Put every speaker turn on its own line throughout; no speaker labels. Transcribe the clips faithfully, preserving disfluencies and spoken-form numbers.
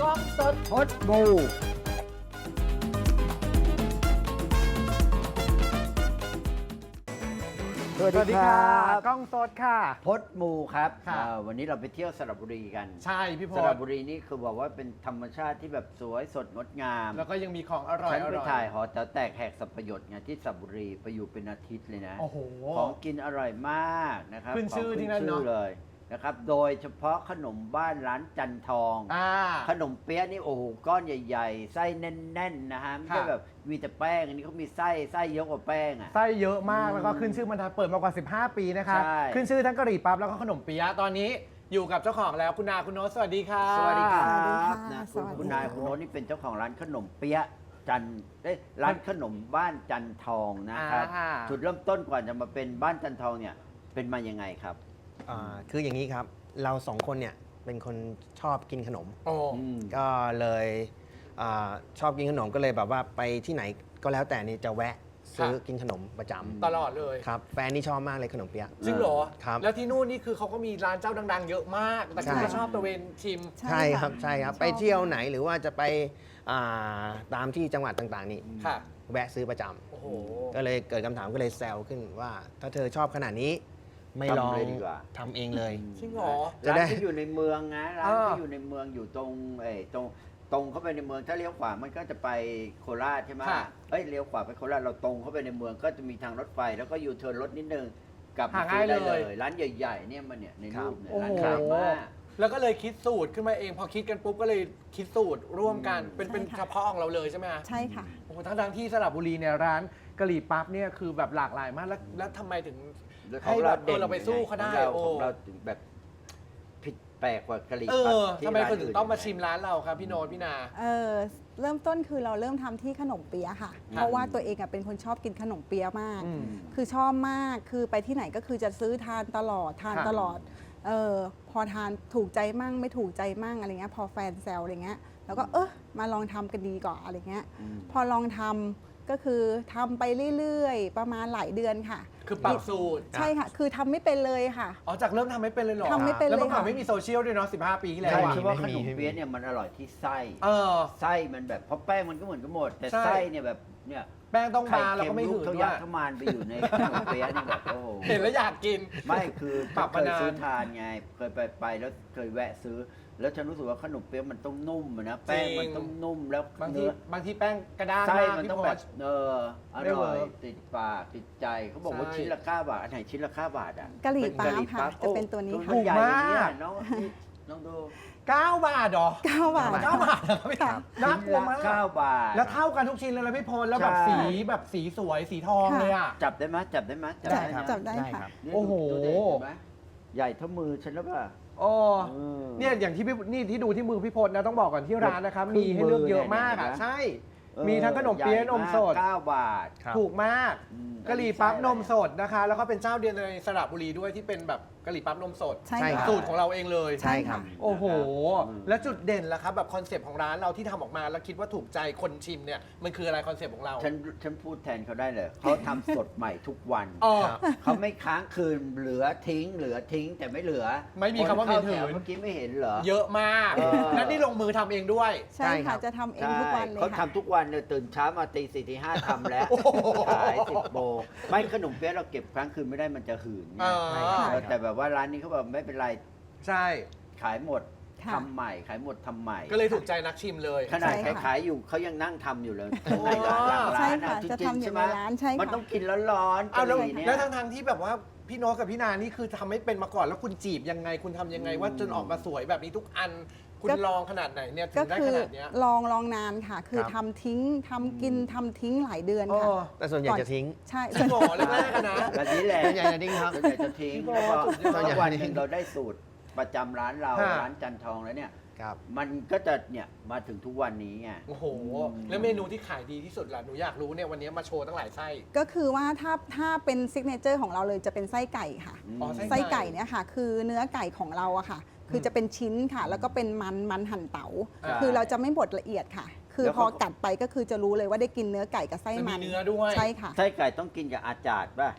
กล้องสด
พดบูสวัส
สวัส
ดี
ดี
ค
ค่ะ
รับ
กล้องสดค่ะ
พดมูครับ
ค่ะ
เอ่อวันนี้เราไปเที่ยวสระบุรีกัน
ใช่พี่พ
ส
ล
ระบุรีนี่คือบอกว่าเป็นธรรมชาติที่แบบสวยสดงดงาม
แล้วก็ยังมีของอร่อย
ฉัน
อ
ไป
ร่อย
ถ่ายหอแต๋วแตกแหกสับประโยชน์ไงที่สระบุรีไปอยู่เป็นอาทิตย์เลยนะ
โอ้โห
ของกินอร่อยมากนะครับ
ขึ้นชื่อ
ขง
ที่นั่นเนอะ
ชื่อเลยนะครับโดยเฉพาะขนมบ้านร้านจันทอง
อ่า
ขนมเปี๊ยะนี่โอ้โหก้อนใหญ่ๆ ไส้แน่นๆนะฮะไม่ใช่
ค่ะ
แบบมีแต่แป้งอันนี้เขามีไส้ไส้เยอะกว่าแป้งอ่ะ
ไส้เยอะมาก
อืม
แล้วก็ขึ้นชื่อมันเปิดมากว่าสิบห้าปีนะคะ
ใช่
ขึ้นชื่อทั้งกะหรี่ปั๊บแล้วก็ขนมเปี๊ยะตอนนี้อยู่กับเจ้าของแล้วคุณนาคุณโน้ตสวัสดีค่ะ
สวัสดีครั
สวัสดี
บ
ค่ะ
นะ
ส
คุณ
วัสดี
คุณนาย
ค่ะ
คุณโน้ตนี่เป็นเจ้าของร้านขนมเปี๊ยะจันเอ้ยร้านขนมบ้านจันทองนะครับ
อ่า
จุดเริ่มต้นก่อนจะมาเป็นบ้านจันทองเนี่ยเป็นมายังไงครับ
อ่าคืออย่างนี้ครับ เราสองคนเนี่ยเป็นคนชอบกินขนม
โอ้
อืม
ก็เลยอาชอบกินขนมก็เลยแบบว่าไปที่ไหนก็แล้วแต่นี่จะแวะซื้อกินขนมประจำ
ตลอดเลย
ครับแฟนนี่ชอบมากเลยขนมเปี๊ยะ
จริงเหรอ
ครับ
แล้วที่นู่นนี่คือเขาก็มีร้านเจ้าดัง ๆ เยอะมาก แต่คุณ
ใช่
ก็ชอบตระเวนชิม
ใช่ครับใช่ครับ
ชอ
ไปเที่ยวไหนหรือว่าจะไปอ่าตามที่จังหวัดต่างๆ นี่
ค่ะ
แวะซื้อประจำ
โอ้โห
ก็เลยเกิดคำถามก็เลยแซวขึ้นว่า ถ้าเธอชอบขนาดนี้ไม่ลอง
ทำเลยดีกว่า
ทำเองเลย
จริงเหรอ
จะ
ร้าน
ได้
ที่อยู่ในเมืองนะร้าน
อ่า
ที่อยู่ในเมืองอยู่ตรงเอ้ยตรงตรงเข้าไปในเมืองถ้าเลี้ยวขวามันก็จะไปโคราชใช่ไหม
ค่ะ
เอ้ยเลี้ยวขวาไปโคราชเราตรงเข้าไปในเมืองก็จะมีทางรถไฟแล้วก็ยูเทิร์นรถนิดนึงกลับ
หา
มาซื้อได้
ง่าย
เล
เลย
ย ร้านใหญ่ๆเนี่ยมันเนี่ยในรูปเนี่ย
โอ้
ร้าน
โห
ขายมาก
แล้วก็เลยคิดสูตรขึ้นมาเอง พอคิดกันปุ๊บก็เลยคิดสูตรร่วมกัน
อืม
เป็นเป็น
ใช่ค่ะ
เฉพาะของเราเลยใช่ไหมฮะ
ใช่ค่ะ
โอ้โหทั้งทที่สระบุรีเนี่ยร้านกะหรี่ปั๊บเนี่ยคือแบบหลากหลายมากแล้วแล้วทำไมถึง ให้แบบเออเราไปสู้เขาได้
ของเรา
โอ้
ของเราถึงแบบผิดแปลกกว่ากะหรี่
เอ
ปั๊บ
อ
ที่
ทำไม
ร้
คนถึงต้องมา
ยัไ
ชิมร้านเราครับพี่โน้ตพี่นา
เออเริ่มต้นคือเราเริ่มทำที่ขนมเปี๊ยะค่ะ เพราะว่าตัวเองอะเป็นคนชอบกินขนมเปี๊ยะมาก
อืม
คือชอบมาก คือไปที่ไหนก็คือจะซื้อทานตลอด ทาน
ค่ะ
ตลอด เออพอทานถูกใจมั่งไม่ถูกใจมั่งอะไรเงี้ย พอแฟนแซวอะไรเงี้ย แล้วก็เออมาลองทำกันดีกว่าอะไรเงี้ย
อืม
พอลองทำก็คือทำไปเรื่อยๆ ประมาณหลายเดือนค่ะ
คือปรับสูตร
ใช่ค่ะ คือทำไม่เป็นเลยค่ะ
อ๋อจากเริ่มทำไม่เป็นเลยเหรอ
ทำไม่เป็น
แล้วเมื่อก่อน
เลยค่ะ
ไม่มีโซเชียลด้วยเนาะสิบห้าปีที่แล้ว
ใช่
อะ
คิดว่าข
ไม่
น
มี
ม
ไม่มี
เปี๊ยะเนี่ยมันอร่อยที่ไส้
เออ
ไส้มันแบบเพราะแป้งมันก็เหมือนกันหมด แต่
ใช่
ไส้เนี่ยแบบเนี่ย
แป้งต้อง
ไข่
มาแล้ว
เค็
ก็
ม
ไม่
ลู
หื
ก
น
เขา
ด้
ยั
ว
ด
ย
เข้ามาไปอยู่ในขนมเปี๊ยะนี่แบบโอ้โห
เห็นแล้วอยากกิน
ไม่คือ
ปรับ
เค
มาย นาน
ซื้อทานไงเคยไปไปแล้วเคยแวะซื้อ แล้วฉันรู้สึกว่าขนมเปี๊ยะมันต้องนุ่มอะนะแป้งมันต้องนุ่มแล้ว
บางที
เนื้อบ
างทีแป้งกระด้าง
ไส้
มาก
มัน
พี่
ต้อง
พ
แบ
ล
บเอออ
ไม่เวิ
ร่อย
ร์ก
ติดปากติดใจเขาบอกว่า
ใช่
ชิ้นละเก้าบาทอันไหนชิ้นละเก้าบาทอ่ะ
กะหรี่
เป็น
ปั๊บ
กะหรี่
ค่ะ
ปั๊บ
จะเป็นตัวนี้
โอ้
ค่ะ
ตัวใหญ่อย่างเงี้ย
ถูกมาก
น้องนี่น้องดู
เก้าบาทเหรอ
เก้าบาท
เก้าบาทเหรอครับพี่
ค่ะ
น่ากลัวมาก
เก้าบาท
แล้วเท่ากันทุกชิ้นเลยนะพี่พลแล้วแบบ
ใช่
สีแบบสีสวยสีทอง
ค่ะ
เลยอ่ะ
จับได้ไหมจับได้ไหมจับ
จับ
ได้นะ
จับได้
ได้
ค่ะ
ครับ
นี่
โอ้โห
ดูดิเห็นไหมใหญ่เท่ามือฉันแล้วป่ะ
โอ้
เออ
เนี่ยอย่างที่พี่นี่ที่ดูที่มือพี่พลนะต้องบอกก่อนที่ร้านนะครับ
ครึ่
มี
ง
ให้เลือกเยอะ
มือเนี่ย
มากอ่ะ
เห็นไหม
ใช่
เออ
มีทั้งขนมเปี๊ยะนมสด
เก้าบาท
ครับ
ถูกมาก
อืม
กะหรี่ปั๊บนมสดนะคะ แล้วก็เป็นเจ้าเดียวในสระบุรีด้วยที่เป็นแบบกะหรี่ปั๊บนมสด
ใช่
ใช่
ค่ะ
ครับ
สูตรของเราเองเลย
ใช่ครับ
โอ้โห
อืม
แล้วจุดเด่นล่ะครับแบบคอนเซปต์ของร้านเราที่ทำออกมาแล้วคิดว่าถูกใจคนชิมเนี่ยมันคืออะไรคอนเซปต์ของเรา
ฉันฉันพูดแทนเขาได้เลย เขาทำสดใหม่ทุกวัน
อ๋อ
ครับ
เขาไม่ค้างคืนเหลือทิ้ง เหลือทิ้งแต่ไม่เหลือ
ไม่มีคำว่ามี
นเข้
ถือ
แถเมื่อกี้ไม่เห็นเหรอ
เยอะมาก
เออ
และนี่ลงมือทำเองด้วย
ใช่
ใช่ครั
ค่ะ
บ
จะทำเอง
ใช่
ทุกวันเลย
เขา
ค่ะ
ทำทุกวันเลยตื่นเช้ามาตีสี่ตีห้าทำแล้ว
โอ้โห
ขายสิบโมงไม่ขนมเปี๊ยะเราเก็บครั้งคืนไม่ได้มันจะหืนไง
อ่า
ใช่ครับ
เออแต่แบบว่าร้านนี้เขาแบบไม่เป็นไร
ใช่
ขายหมด
ค่ะ
ทำใหม่ ขายหมดทำใหม่
ก็เลยถูกใจนักชิมเลย
ขนาด
ใช่ค่ะ
ขายๆอยู่เขายังนั่งทำอยู่เลยข้างในร้านหลังร้าน
ใช่ค่ะ
จริงๆ
จะทำอยู่
ใช่ไหม
ในร้านใช่ค่ะ
มันต้องกินร้อนๆ
เอาแล้ว
กะหรี่เนี่ย
แล้วทั้งๆที่แบบว่าพี่โน้ตกับพี่นานี่คือทำไม่เป็นมาก่อนแล้วคุณจีบยังไงคุณทำยังไงว่าจนออกมาสวยแบบนี้ทุกอัน คุณ
ก็
ลองขนาดไหนเนี่ยถึ
ก็
งได้
คื
ข
อ
นาดเนี้ย
ลองลองนานค่ะ คือ
ครับ
ทำทิ้งทำกินทำทิ้งหลายเดือน
โอ้
ค่ะ
แต่ส่วนใหญ่จะทิ้ง
ใช่
จริงเหรอแรกๆอะนะ
แบบนี้แหละ
ส่วนใหญ่จะทิ้งครับ
ส่วนใหญ่จะทิ้ง
พี่
แล้ว
โบ
ก็
สุดยอด
สักวันหนึ่งเราได้สูตรประจำร้านเรา
ฮะ
ร้านจันทองแล้วเนี่ย
ครับ
มันก็จะเนี่ยมาถึงทุกวันนี้ไง
โอ้โห แล้วเมนูที่ขายดีที่สุดล่ะหนูอยากรู้เนี่ยวันนี้มาโชว์ตั้งหลายไส้
ก็คือว่าถ้าถ้าเป็นซิกเนเจอร์ของเราเลยจะเป็นไส้ไก่ค่ะ
อ๋อไส้
ไส้ไก่เนี่ยค่ะ คือเนื้อไก่ของเราอะค่ะ คือจะเป็นชิ้นค่ะ แล้วก็เป็นมันมันหั่นเตา๋า
ใช่
คือเราจะไม่บดละเอียดค่ะ คือ
แล้ว
พอ
เขา
กัดไปก็คือจะรู้เลยว่าได้กินเนื้อไก่กับไส้
มัน
มั
มี
น
เนื้อด้วย
ใช่ค่ะ
ไส้ไก่ต้องกินกับอาจารย์ป่ะ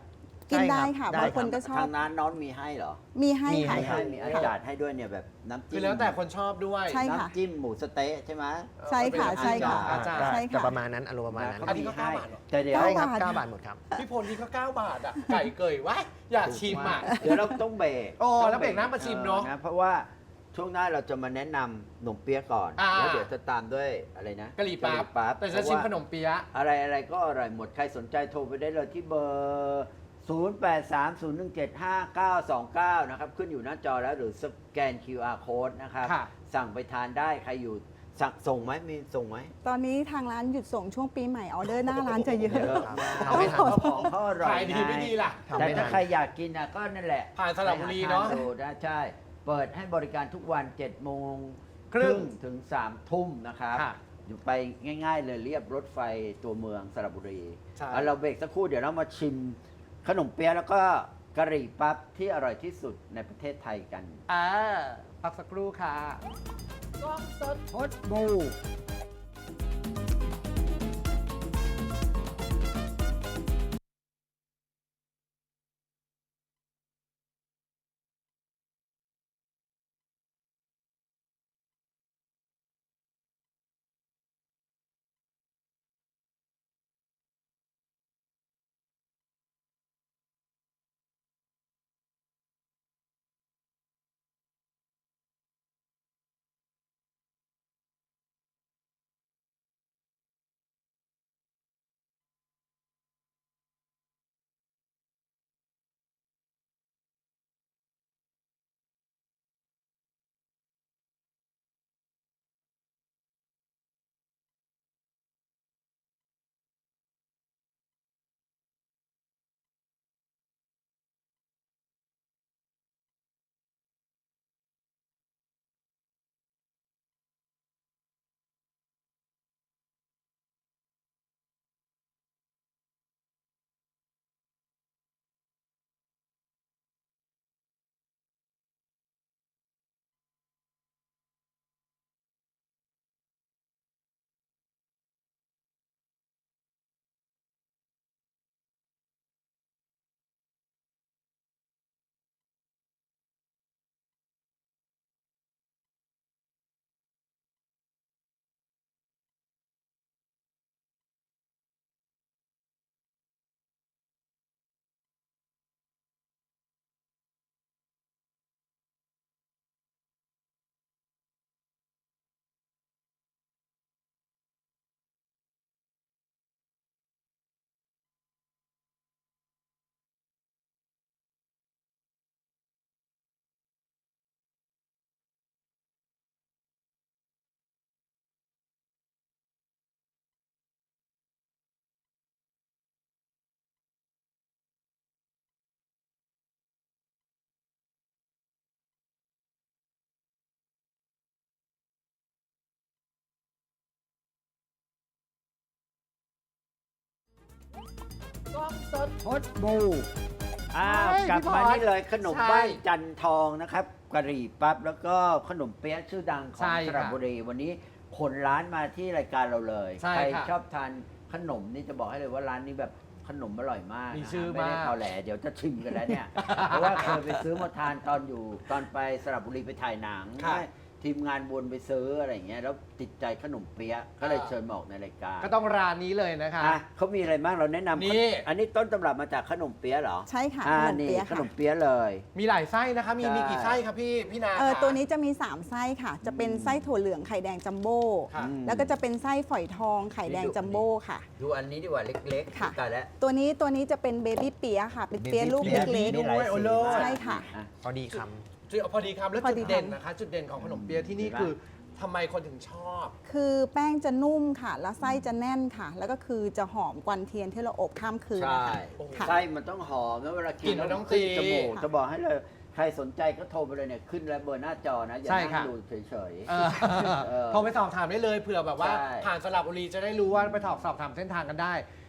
กิน
ใช่ครับ
ได้ค่ะ
ได้
บางคน
ครับ
ก็ชอ
ทา
บ
งร้านน้องมีให้เหรอ
มีให้
มี
ค่ะ
มี
ให้
ให้มีอา
ค่ะ
จารย์ให้ด้วยเนี่ยแบบน้ำ
คื
จิ้
อ
ม
แล้วแต่คนชอบด้วย
ใช่ค่ะ
น้ำจิ้มหมูสะเต๊ะใช่ไหม
ใช่ค่ะ
เออ
ใช่ค่ะ
อาจารย์
ก็
ใช่ค่ะ
จะประมาณนั้นอารมณ์ประมาณนั้น
เขา
อันนี้
มี
ก็
ให้
เก้าบาทเหรอ
แต่เดี๋ยว
เก้า
ใช่ครับ
บาท
เก้าบาทหมดครับ
พี่พลนี่ก็เก้าบาทอ่ะ ไก่เกยว้ายอยากชิมอ่ะ
เดี๋ยวเราต้องเบรก
โอ้
ต้อง
แล้วเบรกหน้ามาชิมเนอะ
ออเพราะว่าช่วงหน้าเราจะมาแนะนำขนมเปี๊ยะก่อน
อ่า
แล้วเดี๋ยวจะตามด้วยอะไรนะ
กะหรี่ปั๊บ
ปั๊บ
แต่จะชิมขนมเปี๊ยะ
อะไรอะไรก็อร่อยหมด ใครสนใจโทรไปได้เลยที่เบอร์ ศูนย์ แปด สาม ศูนย์ หนึ่ง เจ็ด ห้า เก้า สอง เก้า นะครับ ขึ้นอยู่หน้าจอแล้วหรือสแกน คิว อาร์ Code นะครับ
ค่ะ
สั่งไปทานได้ใครอยู่สั่งส่งไหมมีส่งไหม
ตอนนี้ทางร้านหยุดส่งช่วงปีใหม่ออเดอร์หน้าร้านจะเยอะ
เยอะมาก
ทำไม่ทัน
เพราะของเขาอร่อย
ขายดีไม่ดีล่ะ
ทำ
แต่
ไม่ทั
ถ้าน ใครอยากกินนะก็นั่นแหละ
ผ่านสระบุรีเนอะ
ไปหทดูได้ใช่ เปิดให้บริการทุกวันเจ็ดโมง
ครึ่ง
ถึงสามทุ่มนะครับ
ค่ะ
อยู่ไปง่าย ๆ เลยเรียบรถไฟตัวเมืองสระบุรี
ใช่
เอาเราเบรกสักครู่เดี๋ยวเรามาชิมขนมเปี๊ยะแล้วก็กะหรี่ปั๊บที่อร่อยที่สุดในประเทศไทยกัน
อ่าพักสักครู่ค่ะ
พดบู พดบูอ้าว
ใช่
กลับ
พี่
มา
พร
นี่เลยขนม
ใช่
บ้านจันทองนะครับกะหรี่ปั๊บแล้วก็ขนมเปี๊ยะชื่อดังขอ
ใช่
งส
ค่ะ
ระบุรี วันนี้ขนร้านมาที่รายการเราเลย
ใช่
ใคร
ค่ะ
ชอบทานขนมนี่จะบอกให้เลยว่าร้านนี้แบบขนมอร่อยมาก
มี
นะ
ชื่อ
ไม่ได้
มาก
พอแหลเดี๋ยวจะชิมกันแล้วเนี่ย เพราะว่าเคยไปซื้อมาทานตอนอยู่ตอนไปสระบุรีไปถ่ายหนัง
ค่ะ
ทีมงานวนไปซื้ออะไรอย่างเงี้ยแล้วติดใจขนมเปี๊ยะก็เลยเชิญมาออกในรายการ
ก็ต้องร้านนี้เลยนะคะ
อ่ะเขามีอะไรบ้างเราแนะนำ
นี่
อันนี้ต้นตำรับมาจากขนมเปี๊ยะเหรอ
ใช่ค่ะ
อ่า
ขนม
นี่
เปี๊ยะ
ข
ค่ะ
นมเปี๊ยะเลย
มีหลายไส้นะคะ มี
ใช่
มีกี่ไส้ครับพี่พี่นา
เออ
คะ
ตัวนี้จะมี สาม ไส้ค่ะ จะเป็นไส้ถั่วเหลืองไข่แดงจัมโบ้
ค่ะ
อืม
แล้วก็จะเป็นไส้ฝอยทองไข่แดงจัมโบ้ค่ะ
ดูอันนี้ดีกว่าเล็กๆ
ค่ะ
แต่แล้ว
ตัวนี้ตัวนี้จะเป็นเบบี้เปี๊ยะค่ะ เป็นเปี๊ยะลูก
มี
เล็
แบบนี้
ก
ด้วย โอ้โล
ใช่ค่ะ
พอดีค
จุดพอดีคำแล้ว
พอ
จุ
ดี
ด
คำ
เด่นนะคะ จุดเด่นของขนมเปี๊ยะที่นี่คือทำไมคนถึงชอบ
ๆ คือแป้งจะนุ่มค่ะ แล้วไส้จะแน่นค่ะ แล้วก็คือจะหอมกวันเทียนที่เราอบข้ามคืน
ใช่
นะคะค่ะ
ไส้มันต้องหอมแล้วเวลากิ
กลิ่
น
นมันต้อง
ขึ้น
ตี
จมูก
ค่ะ
จะบอกให้เลย ใครสนใจก็โทรไปเลยเนี่ยขึ้นแล้วเบอร์หน้าจอนะ อย่า
ใช่
นั่
ค่ะ
งดูเฉย
เออ
เออ
โทรไปสอบถามได้เลยเผื่อแบบว่า
ใช่
ผ่านสระบุรีจะได้รู้ว่าไปสอบสอบถามเส้นทางกันได้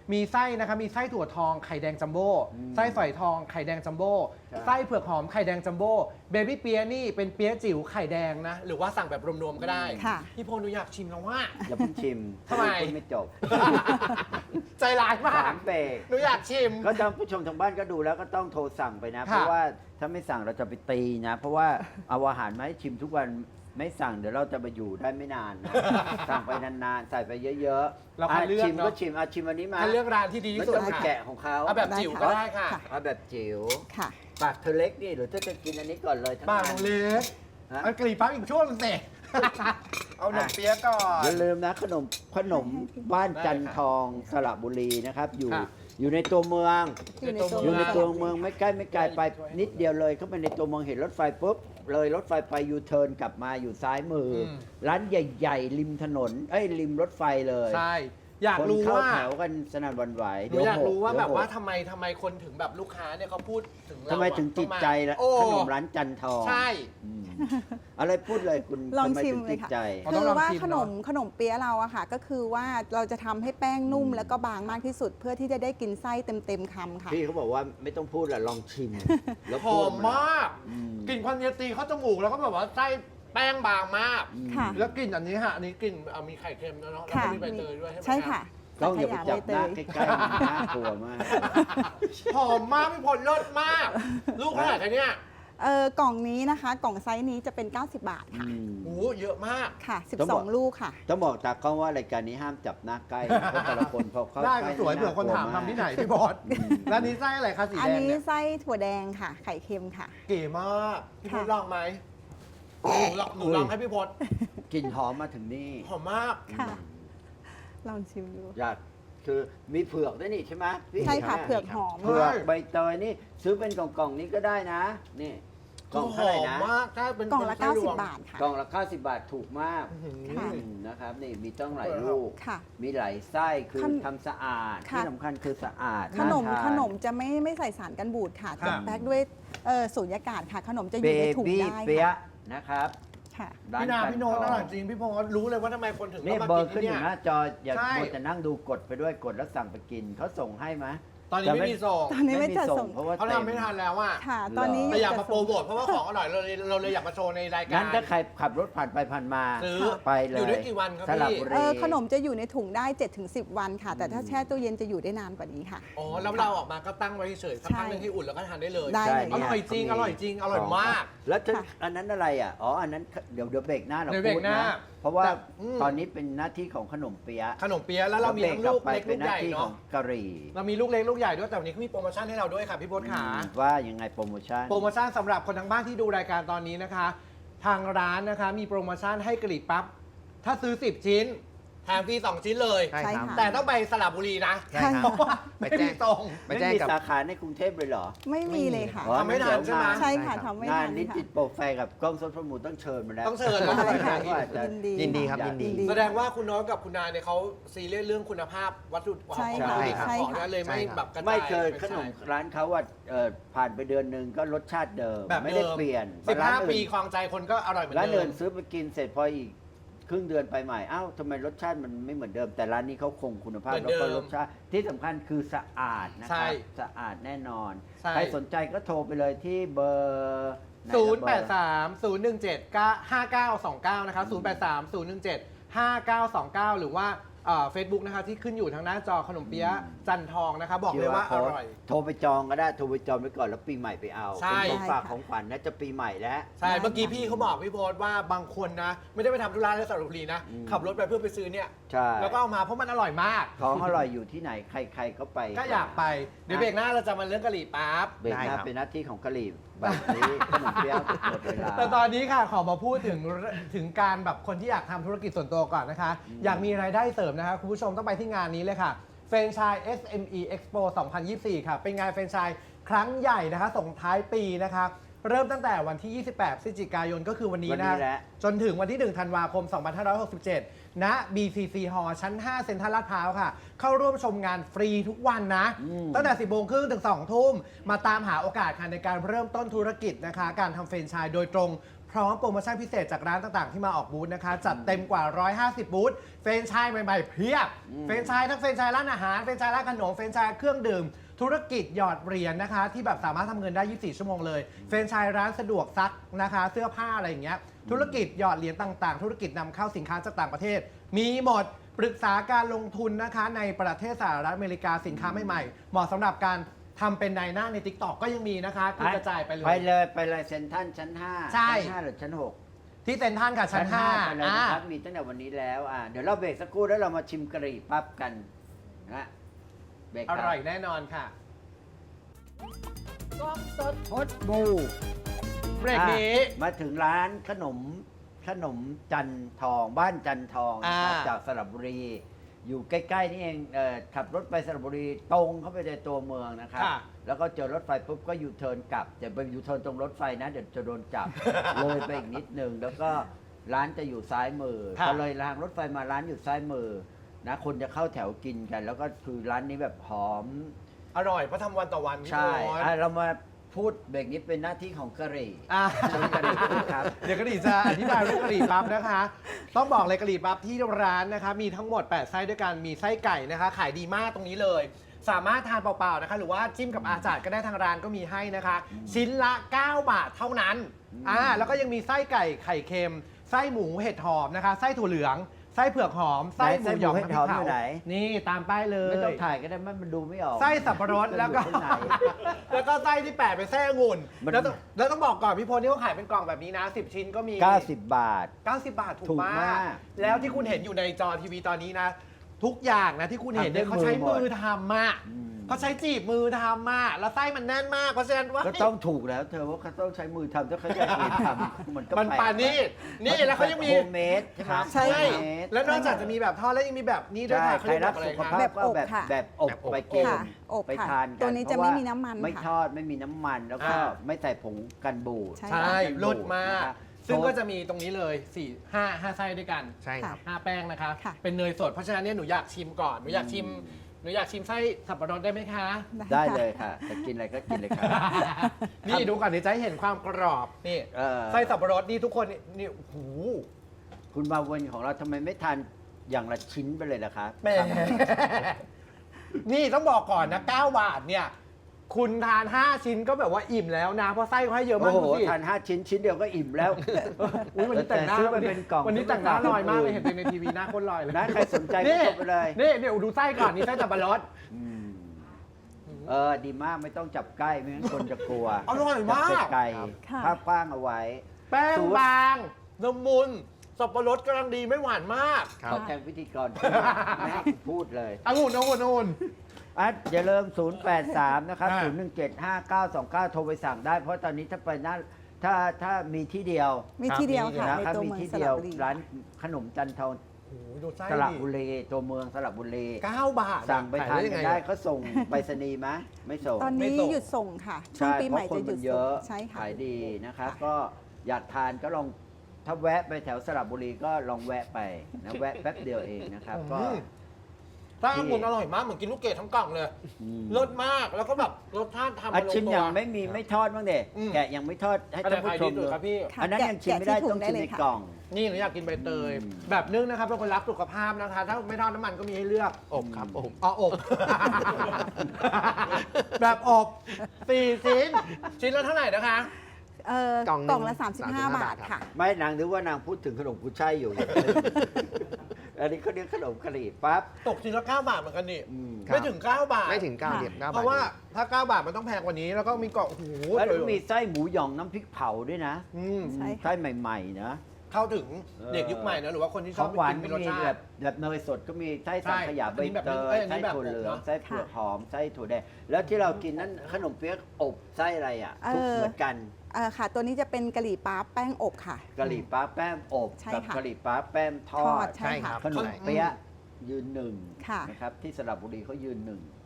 มีไส้นะคะมีไส้ถั่วทองไข่แดงจัมโบ้
อืม
ไส้ฝอยทองไข่แดงจัมโบ้
ใช่
ไส้เผือกหอมไข่แดงจัมโบ้เบบี้เปียนี่เป็นเปียจิ๋วไข่แดงนะหรือว่าสั่งแบบรวมๆก็ได้
ค่ะ
พี่พลหนูอยากชิมแล้วว่า
อย่าเพิ่งชิม
ทำไม
พูดไม่จบ
ใจร้ายมา
สาก มเบรก
หนูอยากชิม
ก็ท่านผู้ชมทางบ้านก็ดูแล้วก็ต้องโทรสั่งไปนะ
ค่ะ
เพราะว่าถ้าไม่สั่งเราจะไปตีนะ เพราะว่าเอาอาหารมาให้ชิมทุกวันไม่สั่งเดี๋ยวเราจะไปอยู่ได้ไม่นานนะ สั่งไปนานๆ ใส่ไปเยอะๆ
เราคัดเลือก
ชิม
เนอะ
ก็ชิมอาชิมอันนี้มา
ถ้าเลือกร้านที่ดี
ไม่
ที่สุด
ต้องไป
ค่ะ
แกะของเขา
เอาแบบจิ๋วก็ได้ค่ะ
ค่ะ
เอาแบบจิ๋ว
ค่ะ
ปากเธอเล็กนี่หรือเธอจะกินอันนี้ก่อนเลยทั้ง
บ้าน
นั้
ข
น
องเล็ก
ฮะ
เอากรีบปั๊บอีกช่วงหนึงสิ เอาหนมเปี๊ยะก่อน
อย่าลืมนะขนมขนมบ้านจันทองสระบุรีนะครับ อยู่
ค่ะ
อยู่ในตัวเมือง
อยู่ในตัว
อยู่ในตัว
เมื
เมื
อ
อง งไม่ใกล้ไม่ไกลไปนิดเดียวเลยเข้าไปในตัวเมืองเห็นรถไฟปุ๊บเลยรถไฟไปยูเทิร์นกลับมาอยู่ซ้ายมืออ
ม
ร้านใหญ่ๆ ริมถนนเอ้ยริมรถไฟเลย
ใช่ อยาก
คน
รู้
เข้า
ว่า
แถวกันสนั่นหวันไหว
หนูอยากรู้ว่า
เดี๋
แบบว่า
หก
ทำไมทำไมคนถึงแบบลูกค้าเนี่ยเขาพูดถึงเรา
ทำไมถึง
อะ
ติดใจละ
โอ้
ขนมร้านจันทอง
ใช่
อืมอะไรพูดเลยคุณ
ลอง
ทำไม
ชิม
ถึง
เล
ติ
ย
ด
ค่ะ
ใจ
อ๋อต้
คือ อง
ลอง
ว่า
ชิม
ขนม
เนอะ
ขนมเปี๊ยะเราอะค่ะ ก็คือว่าเราจะทำให้แป้งนุ่มแล้วก็บางมากที่สุด เพื่อที่จะได้กินไส้เต็มๆคำค่ะ
พี่เขาบอกว่าไม่ต้องพูดละลองชิม แล้ว
ห
พู
อ
ด
มมาก
อืม
กลิ่นควันเยตีเข้าจมูกแล้วก็แบบว่าไส้แป้งบางมาก
อืม
ค่ะ
แล้วกลิ่นอันนี้ฮะอันนี้กลิ่นเอามีไข่เค็มแล้วเนาะแล้ว
ค่ะ
ก็มีใบเตยด้วยใช่ไหม
ใช่ค่ะ
ต้องอย่าไปจับหน้า
สัง
ใก
ขย
ล้ๆมันน่ากลัวมาก
หอมมากพี่พลเลิศมาก ลูกขนาดนี้เนี่ย
เออกล่องนี้นะคะ กล่องไซส์นี้จะเป็น เก้าสิบบาทค่ะ
อืม
โอ้โหเยอะมาก
ค่ะ
ต้องบอก
สิบสอง ลูกค่ะ
ต้องบอกตากล้องว่ารายการนี้ห้ามจับหน้าใกล้นะเพราะแต่ละคนพอเข้า
ได้
ใก
ก็
ล้
สวย
น่
เผื่อคนถาม
กลัว
ทำที่ไหนพี่บอสแล้วนี้ไส้อะไรคะสี
อัน
แดง
นี้
เนี่ย
ไส้ถั่วแดงค่ะ ไข่เค็มค่ะ
เก๋มากพี่พล
ค่ะ
ลองไหมหนูลองหนูลองให้พี่พล
กลิ่นหอมมาถึงนี่
หอมมาก
ค่ะ ลองชิมดู
อยากคือมีเผือกด้วยนี่ใช่ไหมพี่
ใช่ค่ะ
ห็นไหม
เผือกหอม
เผือก
ใช่
ใบเตยนี่ซื้อเป็นกล่องๆนี้ก็ได้นะ นี่กล่อง
ห
เท่าไหร่
อม
นะ
มากถ้าเป็น
กล่องละ
ป็นไส้รวม
เก้าสิบบาทค่ะ
กล่องละเก้าสิบบาทถูกมาก
อื้อหือ
ค่ะ
อืมนะครับนี่มีต้องหลายลูก
ค่ะ
มีหลายไส้คือ
ขน
ทำสะอาด
ค่ะ
ที่สำคัญคือสะอาด
ขนม
าทา
ขนมจะไม่ไม่ใส่สารกันบูดค่ะ
ค่ะ
จะแพ็คด้วยเอ่อสูญญากาศค่ะ ขนมจะอ
เบ
ยู่ในถุง
บี้
ได้
เปียะ
ค่ะ
นะครับ
ค่ะ
ร้
พี่นา
จั
พี่โน้ต
ท
อ
อง
ร่อยจริงพี่พลรู้เลยว่าทำไมคนถึง
นี่
ต้องมา
เบอ
กิน
ร์ขึ้น
ที่
อ
เนี่ย
ยู่หน้าจออย่า
ใช่
มัวแต่นั่งดูกดไปด้วยกดแล้วสั่งไปกินเขาส่งให้ไหม
ตอนนี้ไม่มีส่ง
ตอนนี้ไม่จัดส่ง
เพราะว่า
เขา
ต็
ทำไม่ทันแล้วอ่ะ
ค่ะ ตอนนี้อ
แต่
ยู่
อยาก
จั
มา
ด
โปร
ส่ง
โมทเพราะว่าของอร่อยเราเลยเราเลยอยากมาโชว์ในรายการ
งั้นถ้าใครขับรถผ่านไปผ่านมา
ซื้อ
ไปเลย
อยู่ได้กี่วันครับ
สระ
พี่
บุรี
เออขนมจะอยู่ในถุงได้ เจ็ดถึงสิบ วันค่ะ แต่ถ้าแช่ตู้เย็นจะอยู่ได้นานกว่านี้ค่ะ
อ๋อแล้วเราออกมาก็ตั้งไว้เฉยๆสักพักหนึง
ใช่
ให้อุ่นแล้วก็ทานได้เลย
ได้
ใช่
เลย
อร่อยจริงอร่อยจริงอร่อยมาก
แล้วจะ
ค่ะ
อันนั้นอะไรอ่ะ อ๋อ อันนั้นเดี๋ยวเดี๋ยวเบรกหน้าเรา
เดี๋ยวเบร
พู
ก
ด
หน้า
นะ เพราะว่า
แต่อืม
ตอนนี้เป็นหน้าที่ของขนมเปี๊ยะ
ขนมเปี๊ยะแล้วเรามีทั้งลูก
แวบร
เล็ก
ไป
ลูก
เป็นห
ให
น้า
ญ่
ที่ขอ
เนาะ
งกะหรี่
เรามีลูกเล็กลูกใหญ่ด้วยแต่วันนี้เขามีโปรโมชั่นให้เราด้วยค่ะพี่พศขา
อืมว่ายังไงโปรโมชั่น
โปรโมชั่นสำหรับคนทางบ้านที่ดูรายการตอนนี้นะคะ ทางร้านนะคะมีโปรโมชั่นให้กะหรี่ปั๊บถ้าซื้อสิบชิ้นแถมฟรีสองชิ้นเลย
ใช่
ใช่
ครับ
ค่ะ
แต่ต้องไปสระบุรีนะ
ใช่ครับ
เพราะว่า
ไป
ไม่
แจ้
มี
ง
ตรง
ไป
ไม่
แจ้ง
มี
กับ
สาขาในกรุงเทพเลยเหรอ
ไม่มีเลยค่ะ
อ๋อ
ทำไม่ทันใช่ไหม
ใช่ค่ะ
ใช่ครับ
ทำไม่
งา
ทั
น
น
นิ
ค่ะ
ติโปรไฟกับกล้องสดประมูลต้องเชิญมาแล้ว
ต้องเชิญ
ได้ค่ะ
ว่าจะ
ยินดี
ยินดีครับยินดี
ดี
แสดงว่าคุณโน้ตกับคุณนาเนี่ยเขาซีเรียสเรื่องคุณภาพวัตถุ
ใช่
ของ
ค่ะ
ผลิต
ใช่
ของ
ค่ะ
นั่นเลยไม่
ใช่ครับ
แบบกระจาย
ไม่เคย
ไป
ขนม
ใช่
ร้านเขาว่าเอ่อผ่านไปเดือนหนึ่งก็รสชาติเดิม
แบบ
ไม่
เดิ
ได้
ม
เปลี่ยน
สิบ
ร้า
ห้าน
อื่น
ปีคลองใจคนก็อร่อยเหมือน
ร้าน
เดิ
อื่
ม
นซื้อไปกินเสร็จพออีกครึ่งเดือนไปใหม่อ้าวทำไมรสชาติมันไม่เหมือนเดิม แต่ร้านนี้เขาคงคุณภาพ
เหมือน
แล้วก็
เดิม
รสชาติที่สำคัญคือสะอาดนะค
ใช่
รับสะอาดแน่นอน
ใช่
ใครสนใจก็โทรไปเลยที่เบอร์ไหน
ศู
ละ
นย์
เบ
แป
อ
ด
ร์
สามศูนย์หนึ่งเจ็ดห้าเก้าสองเก้านะคะศูนย์แปดสามศูนย์หนึ่งเจ็ดห้าเก้าสองเก้าหรือว่าเฟซบุ๊กนะคะที่ขึ้นอยู่ทางหน้าจอขนมเปี๊ยะจันทองนะคะบอกเลยว่าอร่อย
โทรไปจองก็ได้โทรไปจองไว้ก่อนแล้วปีใหม่ไปเอา
ใช่
เป็นของฝาก
ได้ค่ะ
ของขวัญนะจะปีใหม่แล้ว
ใช่ เมื่อกี้พี่เขาบอกพี่โพสต์ว่าบางคนนะ ไม่ได้ไปทำธุระในสระบุรีนะ
อืม
ขับรถไปเพื่อไปซื้อเนี่ย
ใช่
แล้วก็เอามาเพราะมันอร่อยมาก
ของอร่อยอยู่ที่ไหนใครๆก็ไป
ก็อยากไป เดี๋ยวเบรกหน้าเราจะมาเรื่องกะหรี่ปั๊บ
เบรกห
ได้
น้า
ครับ
เป็นหน้าที่ของกะหรี่แบบนี้ขนมเปี๊ยะหมดเวลา
แต่ตอนนี้ค่ะขอมาพูดถึงถึงการแบบคนที่อยากทำธุรกิจส่วนตัวก่อนนะคะ
อืม
อยากมีรายได้เสริมนะคะคุณผู้ชมต้องไปที่งานนี้เลยค่ะแฟรนไชส์ เอส เอ็ม อี Expo สองพันยี่สิบสี่ค่ะเป็นงานแฟรนไชส์ครั้งใหญ่นะคะส่งท้ายปีนะคะเริ่มตั้งแต่วันที่ ยี่สิบแปด พฤศจิกายนก็คือวันนี้
วัน
นะ
นี้แหละ
จนถึงวันที่ หนึ่ง ธันวาคม สองพันห้าร้อยหกสิบเจ็ด ณ บี ซี ซี Hall ชั้น ห้า เซ็นทรัลลาดพร้าวค่ะ เข้าร่วมชมงานฟรีทุกวันนะ
อืม
ตั้งแต่ สิบโมงครึ่งถึง สองทุ่ม มาตามหาโอกาสค่ะในการเริ่มต้นธุรกิจนะคะ การทำแฟรนไชส์โดยตรง พพร้อมโปรโมชั่นพิเศษจากร้านต่างๆ ที่มาออกบูธนะคะ จัดเต็มกว่า หนึ่งร้อยห้าสิบ บูธเฟรนไชส์ใหม่ๆเพียบ
อืม
เฟรนไชส์ทั้งเฟรนไชส์ร้านอาหารเฟรนไชส์ร้านขนมเฟรนไชส์เครื่องดื่ม ธุรกิจหยอดเหรียญนะคะ ที่แบบสามารถทำเงินได้ ยี่สิบสี่ ชั่วโมงเลย เฟรนไชส์ร้านสะดวกซักนะคะ เสื้อผ้าอะไรอย่างเงี้ยธุรกิจหยอดเหรียญต่างๆ ธุรกิจนำเข้าสินค้าจากต่างประเทศ มีหมดปรึกษาการลงทุนนะคะในประเทศสหรัฐอเมริกาสินค้าใหม่ๆเหมาะสำหรับการทำเป็นนายหน้าใน ติ๊กต็อก ก็ยังมีนะคะคือกระจายไปเลย
ไปเลยไปเลยเซ็นทรัลชั้นห้า
ใช่
ชั้นห้าหรือชั้นหก
ที่เซ็นทรัลค่ะชั้นห้า
ไปเลยนะครับมีตั้งแต่วันนี้แล้วอ่าเดี๋ยวเราเบรกสักครู่แล้วเรามาชิมกะหรี่ปั๊บกันนะเบรกค
อ
รับ
ร่อยแน่นอนค่ะ
กล้องสดพดบู
เบรกนี้
อ่ะมาถึงร้านขนมขนมจันทอง บ้านจันทองนะครับ
อ่า
จากสระบุรี อยู่ใกล้ๆนี่เองเอ่อขับรถไปสระบุรีตรงเข้าไปในตัวเมืองนะครับ
ค่ะ
แล้วก็เจอรถไฟปุ๊บก็ยูเทิร์นกลับจะไปยูเทิร์นตรงรถไฟนะเดี๋ยวจะโดนจับ เลยไปอีกนิดนึงแล้วก็ร้านจะอยู่ซ้ายมือ
ค่ะ
ก็เลยรางรถไฟมาร้านอยู่ซ้ายมือนะคนจะเข้าแถวกินกัน แล้วก็คือร้านนี้แบบหอม
อร่อยเพราะทำวันต่อวันพี่
ใช่
โอ๊ต
อ่ะเรามาพูดเบรกนี้เป็นหน้าที่ของกะหรี่
อ่ะ
เชิญกะหรี่พูดครับ
เดี๋ยวกะหรี่จะอธิบายเรื่องกะหรี่ปั๊บนะคะ ต้องบอกเลยกะหรี่ปั๊บที่ร้านนะคะ มีทั้งหมด แปด ไส้ด้วยกัน มีไส้ไก่นะคะ ขายดีมากตรงนี้เลย สามารถทานเปล่าๆนะคะ หรือว่าจิ้มกับอาจารย์ก็ได้ทางร้านก็มีให้นะคะ ชิ้นละ เก้า บาทเท่านั้น อ่า แล้วก็ยังมีไส้ไก่ไข่เค็ม ไส้หมูเห็ดหอมนะคะ ไส้ถั่วเหลือง ไส้เผือกหอม ไส้หมูหยอง
ไหนไส้หมูเห็ดหอมอยู่ไหน
นี่ตามป้ายเลย
ไม่ต้องถ่ายก็ได้มันดูไม่ออก
ไส้สับปะรดแล้วก็
อยู่ข้างใน
แล้วก็ไส้ที่แปะเป็นไส้องุ่น
มัน
แล้วต้องแล้วต้องบอกก่อนพี่พลนี่เขาขายเป็นกล่องแบบนี้นะ สิบ ชิ้นก็มี
เก้าสิบบาท
เก้าสิบบาทถู
ถู
ก
ก
มาม
าก ก
แล้วที่คุณเห็นอยู่ในจอทีวีตอนนี้นะ ทุกอย่างนะที่คุณเห็นเนี่ย
ทำด้วย
เขาใช้
มือหมด
มือทำมาก
อืม
เขาใช้จีบมือทำมากแล้วไส้มันแน่นมากเพราะฉะนั้นว่า
ก็ต้องถูกแล้วเธอว่าเขาต้องใช้มือทำถ้าเขาอยากเรียนทำมันก็
มัน
แลก
ปานี่นี่แล้วเขายังมี
โฮมเมดใช่ไหม
ใช่
ใช่
โฮมเมด
แล้วนอกจากจะมีแบบทอดแล้วยังมีแบบนี้ด้วย
ใช่
ค่ะ
ใครรัก
เขาเย
สุ
ก
ข
ว่าอะไร
ภาพ
คะ
ก็แบบ
แบบอบค่ะ
แบบอบ
แบบอบ
ไปกิน
ค่ะอบ
ไป
ค่ะ
ทานกัน
ตัวนี้จะ
เพรา
ไม่
ว่า
มีน้ำมัน
ไม่
ค่ะ
ทอดไม่มีน้ำมันแล้วก็
อ่า
ไม่ใส่ผงกันบูด
ใช่
ใช่รสมาก
นะครับ
ซึ่งก็จะมีตรงนี้เลยสี่ห้าห้าไส้ด้วยกัน
ใช่ครับ
ห้าแป้งนะคะ
ค่ะ
เป็นเนยสดเพราะฉะนั้นเนี่ยหนูอยากชิมก่อนหนูอยากชิมหนูอยากชิมไส้สับปะรดได้ไหมคะ
ได้
ค่ะ
เลยค่ะจะกินอะไรก็กินเลยค่ะ
นี่ดูก่อนเดี๋ยวจะให้เห็นความกรอบนี่
เออ
ไส้สับปะรดนี่ทุกคนนี่นี่โอ้โห
คุณมาวันของเราทำไมไม่ทานอย่างละชิ้นไปเลยล่ะคะ
แหมนี่ต้องบอกก่อนนะเก้าบาทเนี่ย คุณทาน ห้า ชิ้นก็แบบว่าอิ่มแล้วนะ เพราะไส้เขาให้เยอะ
โอ้
มาก
โห
ดูสิ
ทานห้าชิ้นชิ้นเดียวก็อิ่มแล้ว
อุ๊ยวันนี้แต่งหน้า
ซื้อไปเป็นกล่อง
วันนี้แต่งหน้าลอยมากเลยเห็นตัวในทีวีหน้าโคนลอยเลย
นะใครสนใจก็
นี่
กดไปเลย
นี่เดี๋ยวดูไส้ก่อนนี่ไส้สับปะรด
อืมเออดีมากไม่ต้องจับใกล้ไม่งั้นคนจะกลัว
อร่อยมาก
จับไกล
ค่ะ
ภาพกว้างเอาไว้
แป้ง
สูตร
บางละมุนสับปะรดกำลังดีไม่หวานมาก
ครับ
ขอแทนพิธีกรไม่ให้กูพูดเลย
องุ่นองุ่นองุ่น
อ่ะอย่าลืมศูนย์ แปด สาม นะครับ
อ่า
ศูนย์ หนึ่ง เจ็ด ห้า เก้า สอง เก้า โทรไปสั่งได้ เพราะตอนนี้ถ้าไปหน้าถ้าถ้ามีที่เดียว
มีที่เดียวค่ะ
นะ
ใน
ครับ
ตัว
มี
เมือง
ที่
ส
เดี
ระ
ยว
บุรี
ร้านขนมจันทอง
โอ้โหดูไส้
สระ
ดิ
บุรีตัวเมืองสระบุรี
เก้าบาท
สั่งไปทาน
ขย
กัน
ง
ได้
อะ
เขาส่งไปรษณีย์ไหมไม่ส่ง
ตอน
ไม่
นี้
ส่ง
หยุดส่งค่ะ ช่วง
ใช่
ปี
เพ
ใหม่
ราะคน
จะหยุ
มั
ด
นเย
ส่ง
อะ
ใช่ค่ะ
ขายดีนะครับ
ค่ะ
ก็อยากทานก็ลองถ้าแวะไปแถวสระบุรีก็ลองแวะไปนะแวะแป๊บเดียวเองนะครับ ก็
อืมไส้องุ่นอร่อยมากเหมือนกินลูกเกดทั้งกล่องเลย
อืม
รสมากแล้วก็แบบรสชาติทำ
อา
มาลง
ชิม
ตัว
ยังไม่มีไม่ทอดบ้างเด็
อืม
แกะยังไม่ทอดให้
อันไหน
ท่านผู้
ขาย
ช
ดี
ม
สุด
ดู
ครับพี่
ค่ะ
อันนั้น
แกะ
ยังชิมไม่ได้
แกะที่ถุง
ต้อง
ได้
ชิม
เลย
ใน
ค่ะ
กล่อง
นี่หนูอยากกินใบเตย
อืม
แบบนึ่งนะครับเป็นคนรักสุขภาพนะคะ ถ้าไม่ทอดน้ำมันก็มีให้เลือก
อบครับอบ
อ๋ออบ แบบอบสี่ชิ้น ชิ้นละเท่าไหร่นะคะ
เอ่อก
ล่องหนึ่ง
กล่องละ สามสิบห้า
สามสิบห้า
บาท
บาท
ค่ะ
ไม่นางนึกว่านางพูดถึงขนมกุ้ยช่ายอยู่ อันนี้เขาเรียกขนมกะหรี่ปั๊บ
ตกชิ้นละเก้าบาทเหมือนกันนี่
อืม
ไม่ถึงเก้าบาท
ไม่ถึงเก้า
ค่ะ
เดียบเก้า
เพ
บาท
ราะว่าถ้าเก้าบาทมันต้องแพงกว่านี้ แล้วก็มีกล่องโอ้โห
แล้วก็มีไส้หมูหยองน้ำพริกเผาด้วยนะ
อืม
ใช่ค่ะ
ไส้ใหม่ๆนะ
เข้าถึง
เออ
เด็กยุคใหม่นะหรือว่าคนที่ช
ข
อ
อบ ง
ไป
หวาน
กินเป็นร
ก็
ส
มี
ชา
แบ
ติ
บแบบเนยสดก็มีไส้สังขยา
ใช่
ใบ
อันนี้แบบ
เต
เอ้
ย
ยอันนี้
ไส้
แบบ
ถั่วเหลือง
อบเนอะ
ไส้เผือกหอมไส้ถั่วแดงแล้วที่เรากินนั้นขนมเปี๊ยกอบไส้อะไรอ่ะ
เออ
ทุกเหมือนกัน
เอ่อค่ะ ตัวนี้จะเป็นกะหรี่ปั๊บแป้งอบค่ะ
กะหรี่ปั๊บแป้มอบ
ใช่
กั
ค่ะ
กะหรี่ปั๊บแป้มทอ
ทอ
ด
ดใช่ค่ะ
ขนมเปี๊ยะยืนหนึ่ง
ค่ะ
นะครับที่สระบุรีเขายืนหนึ่ง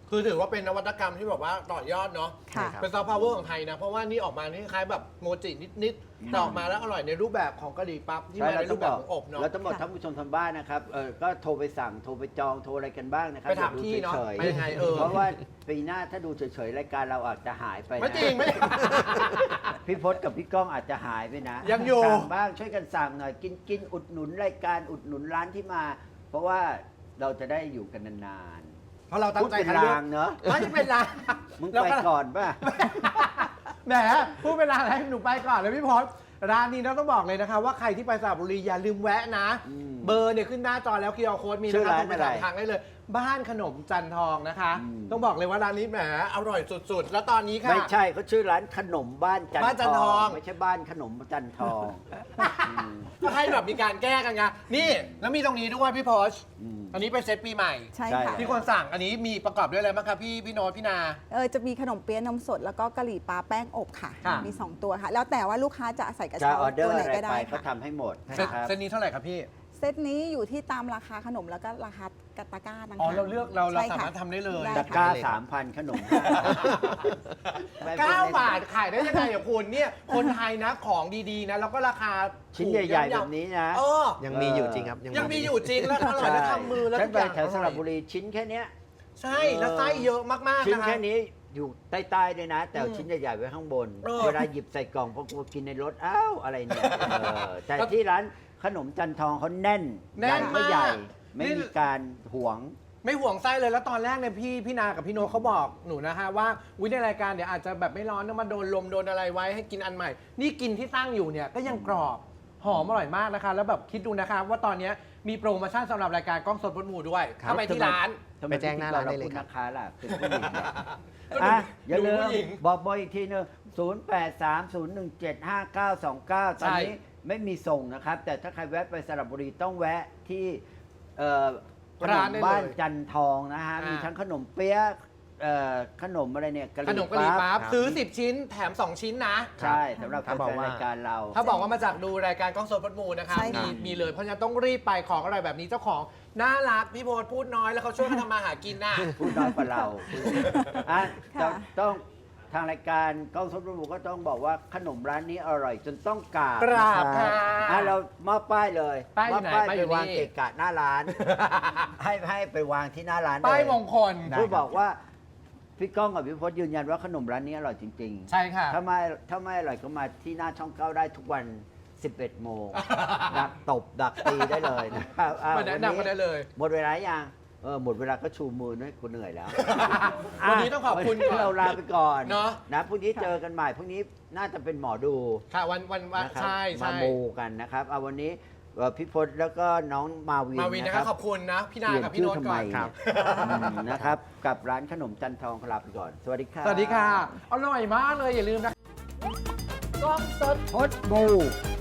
คือถือว่าเป็นนวัตกรรมที่แบบว่าต่อยอดเนาะ
ค่ะ
เป็นซอฟต์พาวเวอร์ของไทยนะ เพราะว่านี่ออกมานี่คล้ายแบบโมจินิดๆแต่ออกมาแล้วอร่อยในรูปแบบของกะหรี่ปั๊บที่มาในรูปแบบของอบเนาะ
แล้วทั้งหมดท่านผู้ชมทางบ้านนะครับเออก็โทรไปสั่งโทรไปจองโทรอะไรกันบ้างนะครับ
ไปถาม
อย่ดู
ที่เนอะ
เฉยๆ
ไปยังไงเออ
เพราะว่าปีหน้าถ้าดูเฉยๆรายการเราอาจจะหายไปนะ
ไม่จริงไม่
พี่พศกับพี่ก้องอาจจะหายไปนะ
ยังอยู่
สั่งบ้างช่วยกันสั่งหน่อยกินกินอุดหนุนรายการอุดหนุนร้านที่มา เพราะว่าเราจะได้อยู่กันนาน
เพราะเรา
ๆ
ตั้
พู
ง
ด
ใจ
เป็น
คัดเลือ
ราก งเนอะ
ไม่ได้เป็นราง
มึง
เรา
ไป
ก็
ก่อนป่ะ
แหมพูดเป็นรางอะไรหนูไปก่อนเลยพี่พศร้านนี้เราต้องบอกเลยนะคะว่าใครที่ไปสระบุรีอย่าลืมแวะนะ
อืม
เบอร์เนี่ยขึ้นหน้าจอแล้วคิวอาร์โค้ดมี
ชื่
นะ
อ
คะ
ร้าน
ตรงไปถาม
อะไร
ทางได้เลย บ้านขนมจันทองนะคะ
อืม
ต้องบอกเลยว่าร้านนี้แหมอร่อยสุดๆ แล้วตอนนี้ค่ะ
ไม่ใช่เขาชื่อร้านขนมบ้านจัน
บ้านจันทอง
ไม่ใช่บ้านขนมจันทองอืม
ให้แบบมีการแก้กันไงนี่แล้วมีตรงนี้ด้วยพี่พศ
อืม
อันนี้เป็นเซตปีใหม่
ใช่
ใช่
ค่ะ
ที่คนสั่งอันนี้มีประกอบด้วยอะไรบ้างครับพี่พี่โน้ตพี่นา
เออจะมีขนมเปี๊ยะนมสดแล้วก็กะหรี่ปั๊บแป้งอบค่ะ
ค่ะ
มี สอง ตัวค่ะ แล้วแต่ว่าลูกค้าจะใส่กระ
จะ
เช้า
ออเดอ
ตัว
ร์
ไหน
อะไร
ก็
ไป
ได้
ก็
ค่ะ
ทำให้หมด
เซต
นะครับ
เซตนี้เท่าไหร่ครับพี่
เซตนี้อยู่ที่ตามราคาขนมแล้วก็ราคากตะกร้านะคะ
อ๋อเราเลือกเราเรา
ใช่
สา
ค่ะ
มารถทำได้เลย
ได้
ตะกร้าสามพันขนม
เก้าบาทขายได้ยังไงอ่ะคุณเนี่ยคนไทยนะของดีๆนะแล้วก็ราคา
ชิ้น
ถูก
ใหญ่ๆ
ย่
แบ
อม
บนี้นะ
ๆเออ
ยังมีอยู่จริงครับ
ยังมีอยู่จริงแล้วอร่อยแล้วทำมือแล้ว
ฉั
ทุ
น
ก
ไป
อย่าง
แถวสระบุรีชิ้นแค่เนี้ย
ใช่แล้วไส้เยอะมากๆ
ชิ้น
นะคะ
แค่นี้อยู่ใต้ๆด้วยนะ แต่เอา
อืม
ชิ้นใหญ่ๆไว้ข้างบน
เออ
เวลาหยิบใส่กล่องพอกูกินในรถอ้าวอะไรเนี่ยเออแต่ที่ร้านขนมจันทองเขาแน่น
แน่น
ร้ก็ใหญ่
มาก
ไม่
นี่
มีการหวง
ไม่ห่วงไส้เลยแล้วตอนแรกเนี่ยพี่พี่นากับพี่โนตเขาบอกหนูนะฮะว่าวิในรายการเดี๋ยวอาจจะแบบไม่ร้อนต้องมาโดนลมโดนอะไรไว้ให้กินอันใหม่ นี่กินที่ตั้งอยู่เนี่ยก็ยังกรอบหอมอร่อยมากนะคะ แล้วแบบคิดดูนะคะว่าตอนเนี้ยมีโปรโมชั่นสำหรับรายการกล้องสดพดหมูด้วย
ครับ
ถ้าไปที่ร้าน
ทำไม
ไปแจ้งหน้าร้านได้เลยครับ
พิธีกราพูดนะคะล่ะเป็นผู้หญิงเนี่ย
ก็
อ่ะ
ดู
อย่าลื
ดู
ม
ผู้หญิง
บอกเบอร์อีกทีหนึงศูนย์ แปด สาม ศูนย์ หนึ่ง เจ็ด ห้า เก้า สอง เก้า ตอนนี้ไม่มีส่งนะครับ แต่ถ้าใครแวะไปสระบุรีต้องแวะที่เอ่อขน
ร้าม นได้เลย
บ้านจันทองนะฮะ
อ่ามี
มีทั้งขนมเปี๊ยะเอ่อขนมอะไรเนี่ยกะห
ข
รี่
นมกะหรี่ปั๊บ
ครับ
ซื้อ สิบ ชิ้นแถม สอง ชิ้นนะ
ใช่สำหรับ
ถ้า
แฟ
บอก
น
ว่า
รายการเรา
ถ้าบอกว่ามาจากดูรายการกล้องสดพดหมูนะคะ
ใช่
มี
ค่ะ
มีเลยเพราะฉะนั้นต้องรีบไปของอร่อยแบบนี้เจ้าของน่ารักพี่โพสพูดน้อยแล้วเขาช่วยกันทำมาหากินน่ะ
พูดน้อยกว่าเราอ่ะ
ค่ะ
ต้องต้องทางรายการกล้องสดรูก็ต้องบอกว่าขนมร้านนี้อร่อยจนต้องกราบ
กราบ
นะ
ค่ะ
อ่ะเรามอบป้ายเลย
ป้ายอยู่
มอบ
ไหน
ป้าย
ป้ายอยู่
ไปวาง
นี่
เกะกะหน้าร้าน ให้ให้ไปวางที่หน้าร้าน
ป้าย
เลย
มงคล
เพื่อบอกว่าพี่ก้องกับพี่พจน์ยืนยันว่าขนมร้านนี้อร่อยจริง
ใช่ค่ะ
ๆ ถ้าไม่ถ้าไม่อร่อยก็มาที่หน้าช่องเก้าได้ทุกวัน สิบเอ็ดโมง ดักตบดักตีได้เลยนะครับอ่ะ
มาแนะนำกันได้เลย
หมดเวลายังเออหมดเวลาก็ชูมือด้วยกูเหนื่อยแล้ว
วันนี้ต้องขอบคุณ
วันนี้เราลาไปก่อน
เนอะ
นะพรุ่งนี้เจอกันใหม่พรุ่งนี้น่าจะเป็นหมอดู
ค่ะวันวันวัน
นะครับ
ใช่
มา
ใช่
มูกันนะครับเอาวันนี้เอ่อพี่พจน์แล้วก็น้องมาวิน
มาวินนะ
นะ
ค
ค
รั
รั
บบ ขอบคุณนะ พี่นา
เปลี่ยน
กับพี่
ชื่อ
โน้ต
ทำ
ก่
ไม
อน
ครับ
อืมนะครับ กับร้านขนมจันทองลาไปก่อน สวัสดีครับ
สวัสดีค่ะ อร่อยมากเลยอย่าลืมนะ
กล้องสดพดบู